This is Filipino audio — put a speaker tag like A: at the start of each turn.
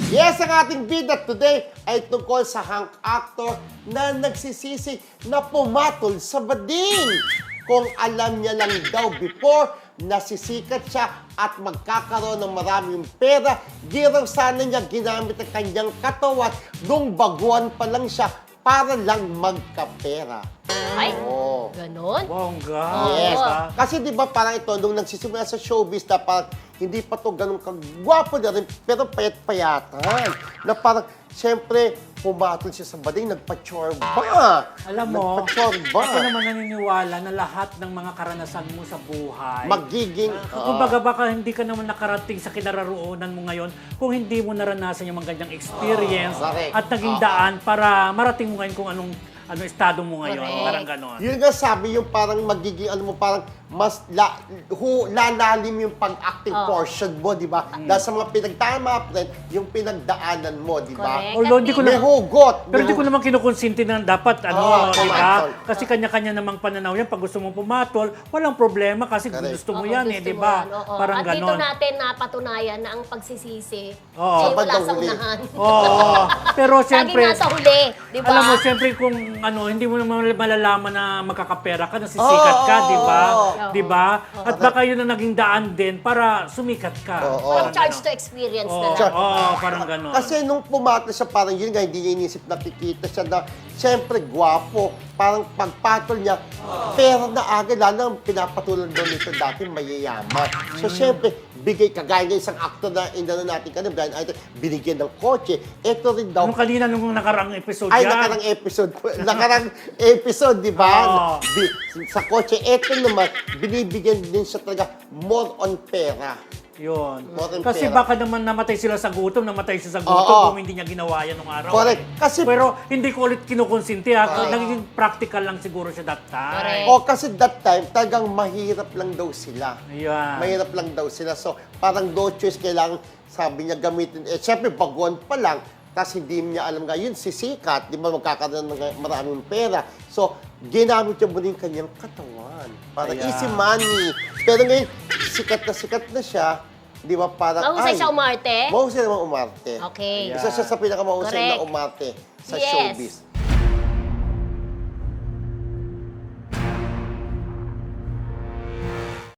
A: Yes, ang ating bida today ay tungkol sa hunk actor na nagsisisi na pumatol sa bading. Kung alam niya lang daw before, nasisikat siya at magkakaroon ng maraming pera, di raw sana niya ginamit ang kanyang katawan nung baguhan pa lang siya para lang magkapera.
B: Ay,
A: Oo.
B: ganon?
C: Bongga.
A: Yes.
B: Oo.
A: Kasi di ba parang ito, nung nagsisimula sa showbiz na parang hindi pa to ganun kagwapo na rin, pero payat-payatan. Na parang, siyempre, pumatol siya sa bading, nagpa-chorba.
C: Alam mo,
A: Nagpa-chorba.
C: ako naman naniniwala na lahat ng mga karanasan mo sa buhay,
A: Magiging...
C: kumbaga baka hindi ka naman nakarating sa kinararoonan mo ngayon kung hindi mo naranasan yung mga ganyang experience
A: correct.
C: at naging daan para marating mo ngayon kung anong estado mo ngayon.
B: Correct.
C: Parang ganon.
A: Yun nga sabi, yung parang magiging, parang mas lalalim yung pag-acting portion mo, di ba? Dahil sa mga pinagtama, yung pinagdaanan mo, di ba?
B: Correct.
C: Although hindi ko
A: May
C: na,
A: hugot.
C: pero hindi ko naman kinukonsinti na dapat,
A: Oo,
C: di ba?
A: pumatol.
C: Kasi kanya-kanya namang pananaw yan. Pag gusto mong pumatol, walang problema kasi
A: Correct.
C: gusto mo
B: Oo,
C: yan,
B: gusto
C: di
B: mo
C: ba?
B: yan, oo.
C: Parang
B: At dito
C: ganon.
B: natin napatunayan na ang pagsisisi
C: Oo.
B: ay wala
A: Bandang
B: sa
A: huli.
B: unahan.
C: Oo. Pero
B: Laging
C: siyempre,
B: nasa huli, di ba?
C: alam mo, siyempre kung hindi mo naman malalaman na magkakapera ka, nasisikat ka, di ba?
A: Oo.
C: Di ba? At baka yun ang naging daan din para sumikat ka.
A: Oo.
C: Parang
B: Charge to
C: ganon.
B: experience
C: Oo,
B: na lang.
C: oo, parang gano'n.
A: Kasi nung pumatol siya, parang yun nga, hindi niya inisip nakikita siya na, siyempre, gwapo. Parang pagpatol niya, pera na agad, lalo ang pinapatulan doon nito dati, mayayaman. So, siyempre, bigay, kagaya ng isang actor na inano natin kanina, Brian Idol, binigyan ng kotse. Ito rin daw,
C: Nung kanina, nung nakaraang episode
A: ay,
C: yan.
A: nakarang episode, di ba?
C: Oo.
A: Sa kotse, ito naman, binibigyan din siya talaga more on pera.
C: Yun.
A: More on
C: Kasi
A: pera.
C: baka naman namatay sila sa gutom, namatay siya sa gutom
A: Oo.
C: kung hindi niya ginawa yan nung araw.
A: Correct. Kasi,
C: Pero hindi ko ulit kinukonsinti ha.
A: Correct.
C: Naging practical lang siguro siya that time.
B: Correct.
A: kasi that time, talagang mahirap lang daw sila.
C: Ayan.
A: Mahirap lang daw sila. So, parang no choice, kailangan, sabi niya, gamitin. Eh, syempre, baguhan pa lang, tapos hindi niya alam nga, yun, sisikat, di ba, magkakaroon ng maraming pera. So, ginamit niya muna yung kanyang katawan. Para
C: Ayan.
A: easy money. Pero ngayon, sikat na siya, di ba, parang,
B: Mahusay siya umarte?
A: Mahusay naman umarte.
B: Okay.
C: Ayan.
A: Isa siya sa pinakamahusay na
B: Correct.
A: umarte sa
B: Yes.
A: showbiz.